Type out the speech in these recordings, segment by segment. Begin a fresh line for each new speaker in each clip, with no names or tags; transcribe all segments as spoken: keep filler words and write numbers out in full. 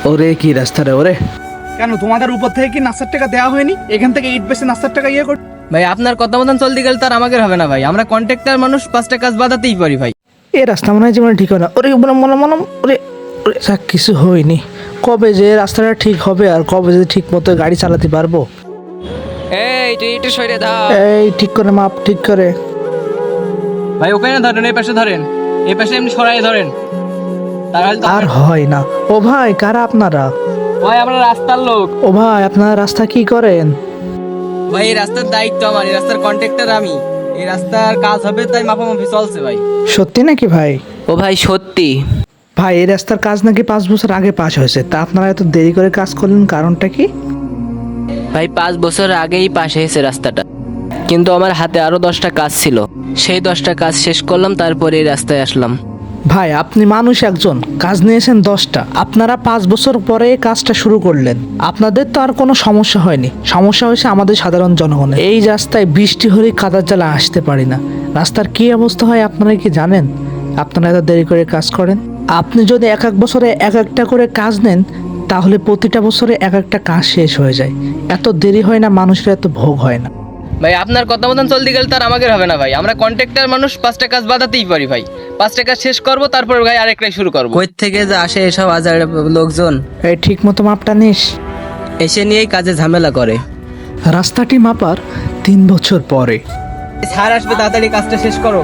ওরে কি রাস্তা রে ওরে।
কেন তোমাদের উপর থেকে কি নাস্তার টাকা দেওয়া হয়নি? এখান থেকে ইট বেশি নাস্তার টাকা ইয়ে কর।
ভাই আপনার কথা মতন চলতে গেলে তার আমাদের হবে না ভাই, আমরা কন্ট্রাক্টর মানুষ, পাঁচটা কাজ বাদাতেই পারি ভাই।
এ রাস্তা মনে হয় জীবনে ঠিক হয় না। ওরে বললাম বললাম বললাম ওরে ওরে যাক, কিছু হয়নি। কবে যে রাস্তাটা ঠিক হবে আর কবে যে ঠিক মতো গাড়ি চালাতে পারবো।
এই তুই একটু সরে দাও
এই ঠিক করে মাপ ঠিক করে।
ভাই, ওখানে ধরেন, এই পাশে ধরেন, এই পাশে এমনি সরাই ধরেন, তাহলে তো
আর হয় না। ও ভাই কারা আপনারা?
ভাই আমরা রাস্তার লোক।
ও ভাই আপনারা রাস্তা কি করেন?
ভাই এই রাস্তার দায়িত্ব আমার, এই রাস্তার কন্ট্রাক্টর আমি, এই রাস্তার কাজ হবে তাই মাপামাপি চলছে ভাই।
সত্যি নাকি ভাই?
ও ভাই সত্যি
ভাই এই রাস্তার কাজ নাকি পাঁচ বছর আগে পাস হয়েছে, তা আপনারা এত দেরি করে কাজ করলেন, কারণটা কি?
ভাই পাঁচ বছর আগেই পাশ হয়েছে রাস্তাটা, কিন্তু আমার হাতে আরো দশটা কাজ ছিল, সেই দশটা কাজ শেষ করলাম, তারপরে এই রাস্তায় আসলাম।
ভাই আপনি মানুষ একজন, কাজ নিয়েছেন দশটা, আপনারা পাঁচ বছর পরে এই কাজটা শুরু করলেন। আপনাদের তো আর কোনো সমস্যা হয়নি, সমস্যা হয়েছে আমাদের সাধারণ জনগণের। এই রাস্তায় বৃষ্টি হলে কাদার জ্বালা আসতে পারি না। রাস্তার কি অবস্থা হয় আপনারা কি জানেন? আপনারা এত দেরি করে কাজ করেন। আপনি যদি এক এক বছরে এক একটা করে কাজ নেন, তাহলে প্রতিটা বছরে এক একটা কাজ শেষ হয়ে যায়। এত দেরি হয় না, মানুষের এত ভোগ হয় না।
ভাই আপনার কথা মতন চলতে গেলে তার আমাদের হবে না ভাই, আমরা কন্ট্রাক্টর মানুষ, পাঁচটা কাজ বাদাতেই পারি ভাই। পাঁচটা কাজ শেষ করবো, তারপর ভাই আরেকটাই শুরু করবো। কই থেকে যে আসে এসব হাজার লোকজন,
এই ঠিক মতো মাপটা নিস।
এসে নিয়েই কাজে ঝামেলা করে।
রাস্তাটি মাপার তিন বছর পরে
স্যার আসবে, তাড়াতাড়ি কাজটা শেষ করো।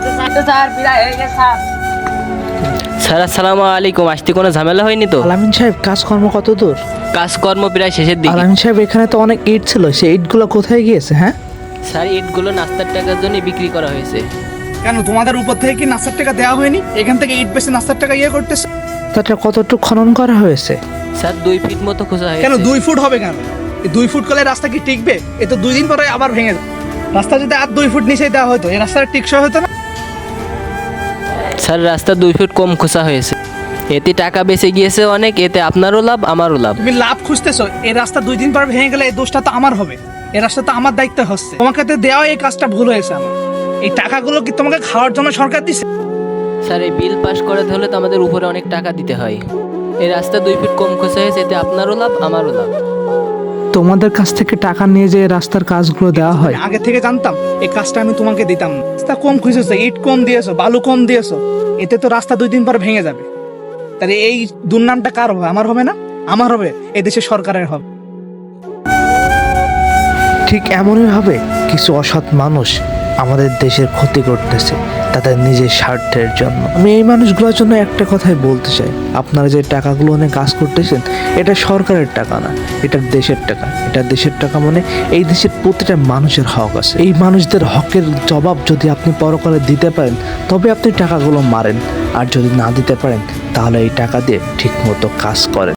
স্যার আসসালামু আলাইকুম, আসতে কোনো ঝামেলা হয়নি তো?
আলামিন সাহেব কাজকর্ম কত দূর?
কাজকর্ম প্রায় শেষের দিকে।
আলামিন সাহেব এখানে তো অনেক ইট ছিল, সেই ইটগুলো কোথায় গিয়েছে? হ্যাঁ
স্যার ইটগুলো নাস্তার টাকার জন্য বিক্রি করা হয়েছে।
কেন তোমাদের উপর থেকে কি নাস্তার টাকা দেওয়া হয়নি? এখান থেকে ইট বেশি নাস্তার টাকা ইয়ে করতেছে।
তাটা কতটুকু খনন করা হয়েছে?
স্যার দুই ফিট মতো খোঁজা
কেন
হয়েছে।
দুই ফুট হবে কেন? এই দুই ফুট করলে রাস্তা কি টিকবে? এ তো দুই দিন পরে আবার ভেঙে যাবে। রাস্তা যদি আর দুই ফুট নিচে দেওয়া হতো, এই রাস্তাটা টিকসই হতো না।
স্যার রাস্তা দুই ফিট কম খোঁজা হয়েছে, এতে টাকা বেঁচে গিয়েছে অনেক, এতে আপনারও লাভ আমারও লাভ।
তুমি লাভ খুঁজতেছো, এই রাস্তা দুই দিন পর ভেঙে গেলে এই দোষটা তো আমার হবে। এই রাস্তা তো আমার দায়িত্ব হচ্ছে। তোমাকে তো দেওয়া এই কাজটা ভুল হয়েছে আমার। এই টাকাগুলো কি তোমাকে খাওয়ার জন্য সরকার দিচ্ছে?
স্যার এই বিল পাস করাতে হলে তো আমাদের উপরে অনেক টাকা দিতে হয়। এই রাস্তা দুই ফিট কম খোঁজা হয়েছে, এতে আপনারও লাভ আমারও লাভ।
তোমাদের কাছ থেকে টাকা নিয়ে যে রাস্তার কাজগুলো দেওয়া হয়,
আমি আগে থেকে জানতাম এই কাজটা আমি তোমাকে দিতাম না। রাস্তা কম খুঁজেছো, ইট কম দিয়েছো, বালু কম দিয়েছো, এতে তো রাস্তা দুই দিন পর ভেঙে যাবে। তাহলে এই দুর্নামটা কার হবে? আমার হবে না? আমার হবে, এই দেশের সরকারের হবে।
ঠিক এমনই ভাবে কিছু অসৎ মানুষ আমাদের দেশের ক্ষতি করতেছে তাদের নিজের স্বার্থের জন্য। আমি এই মানুষগুলোর জন্য একটা কথাই বলতে চাই, আপনারা যে টাকাগুলো নিয়ে কাজ করতেছেন, এটা সরকারের টাকা না, এটা দেশের টাকা। এটা দেশের টাকা মানে এই দেশের প্রতিটা মানুষের হক আছে। এই মানুষদের হকের জবাব যদি আপনি পরকালে দিতে পারেন, তবে আপনি টাকাগুলো মারেন, আর যদি না দিতে পারেন তাহলে এই টাকা দিয়ে ঠিক মতো কাজ করেন।